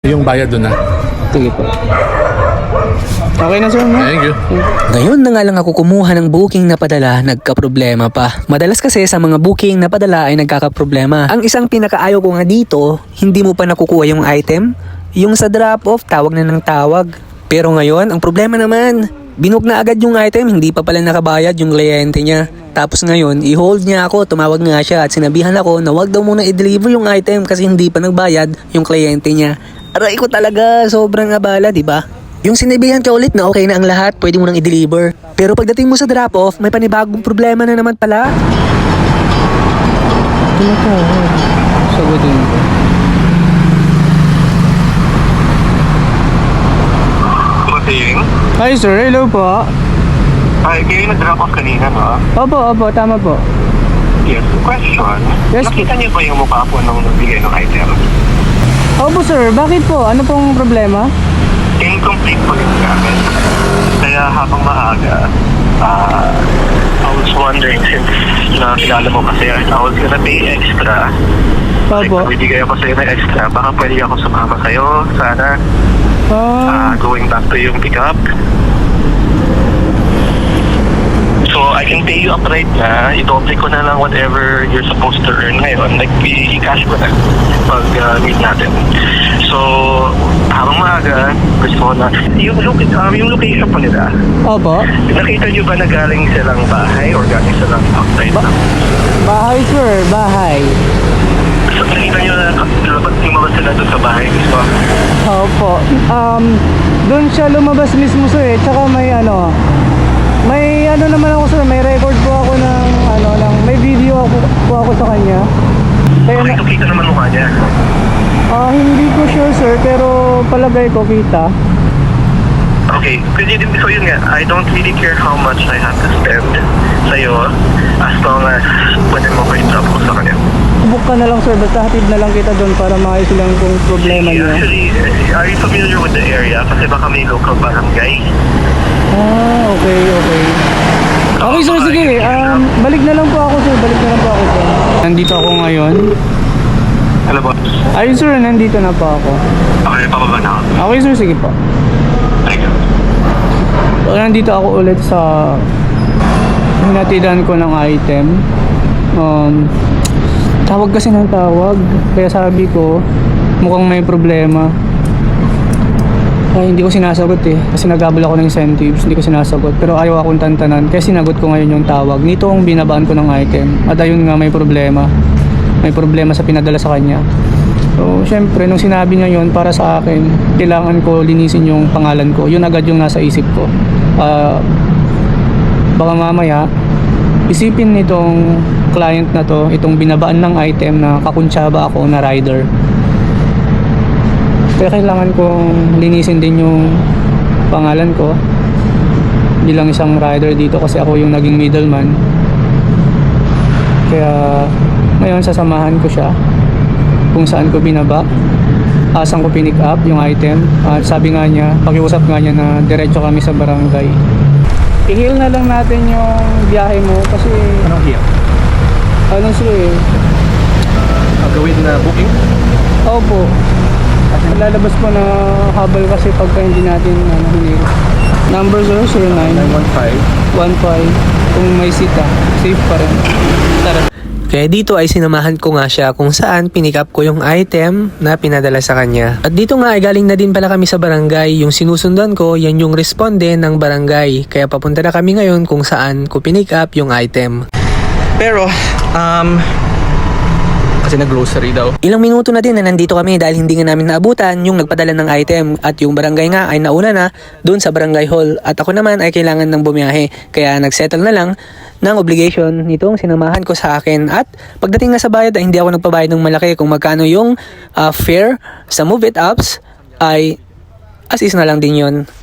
Yung bayad doon na. Sige po. Okay na sir, no? Thank you. Ngayon na nga lang ako kumuha ng booking na padala, nagka-problema pa. Madalas kasi sa mga booking na padala ay nagkaka-problema. Ang isang pinakaayaw ko nga dito, hindi mo pa nakukuha yung item. Yung sa drop-off, tawag na ng tawag. Pero ngayon, ang problema naman, binook na agad yung item, hindi pa pala nakabayad yung kliyente niya. Tapos ngayon, i-hold niya ako, tumawag nga siya at sinabihan ako na wag daw muna i-deliver yung item kasi hindi pa nagbayad yung kliyente niya. Aray ko talaga, sobrang abala, di ba? Yung sinabihan ka ulit na okay na ang lahat, pwede mo nang i-deliver. Pero pagdating mo sa drop-off, may panibagong problema na naman pala. Ano po? Sagutin ko. Bossing? Hi sir, hello po. Ay, kayo nag-drop off kanina, no? Opo, tama po. Yes. Question. Yes, Nakita niyo ba yung mukha po nung nagbigay ng item? Opo sir, bakit po? Ano pong problema? Incomplete po yung gamit. Kaya habang maaga, I was wondering since nakilala mo kasi I was gonna pay extra. Opo. Like, bibigay ako sa'yo ng extra. Baka pwede ako sumama sa'yo. Sana. Going back to yung pickup. So, I can pay you up right na. I-double ko na lang whatever you're supposed to earn ngayon. Like, i-cash ko na pag meet natin. So, habang maaga, gusto ko na. Yung location po nila, Opo. nakita nyo ba na galing silang bahay or galing silang outside lang? Bahay sir, bahay. So, nakita nyo na lumabas sila doon sa bahay mismo? Opo. Doon siya lumabas mismo sir eh. Tsaka may naman ako sir, may record po ako may video po ako sa kanya. Kaya Okay, kita naman mukha niya. hindi ko sure sir, pero palagay ko kita. Okay, so yun nga, I don't really care how much I have to spend sa'yo as long as pwede mo ko i-drop ko sa kanya. Book ka na lang sir, basta hatid na lang kita doon para maayos lang kung problema niya. Actually, are you familiar with the area? Kasi baka may local barangay. Okay. Okay sir, sige. Balik na lang po ako sir, Nandito ako ngayon. Hello, boss. Ayun sir, nandito na po ako. Okay, pababa na ako. Okay sir, sige po. Thank you. So, nandito ako ulit sa hinatidan ko ng item. Tawag kasi ng tawag. Kaya sabi ko, mukhang may problema. Ay, hindi ko sinasagot eh. Kasi naghabol ako ng incentives, hindi ko sinasagot. Pero ayaw akong tantanan. Kaya sinagot ko ngayon yung tawag. Nito ang binabaan ko ng item. At ayun nga, may problema. May problema sa pinadala sa kanya. So, syempre, nung sinabi niya yun, para sa akin, kailangan ko linisin yung pangalan ko. Yun agad yung nasa isip ko. Baka mamaya, isipin nitong client na to, itong binabaan ng item na kakuntsaba ako na rider. Kaya kailangan kong linisin din yung pangalan ko bilang isang rider dito kasi ako yung naging middleman. Kaya ngayon sasamahan ko siya kung saan ko binaba, saan ko pinick up yung item. At sabi nga niya, pakiusap nga niya na diretso kami sa barangay. I-heal na lang natin yung biyahe mo kasi Anong hiya? sir eh. Gawin na booking? Opo. Lalabas po na habal kasi pagka hindi natin hinil. Number 009 15 kung may sita, safe pa rin. Tara. Kaya dito ay sinamahan ko nga siya kung saan pinick up ko yung item na pinadala sa kanya. At dito nga ay galing na din pala kami sa barangay. Yung sinusundan ko, yan yung responde ng barangay. Kaya papunta na kami ngayon kung saan ko pinick up yung item. Pero, kasi nag-grocery daw. Ilang minuto na din na nandito kami dahil hindi nga namin naabutan yung nagpadala ng item at yung barangay nga ay nauna na doon sa barangay hall at ako naman ay kailangan ng bumiyahe kaya nagsettle na lang ng obligation nitong sinamahan ko sa akin at pagdating nga sa bayad ay hindi ako nagpabayad ng malaki kung magkano yung fare sa Move It apps ay as is na lang din yon.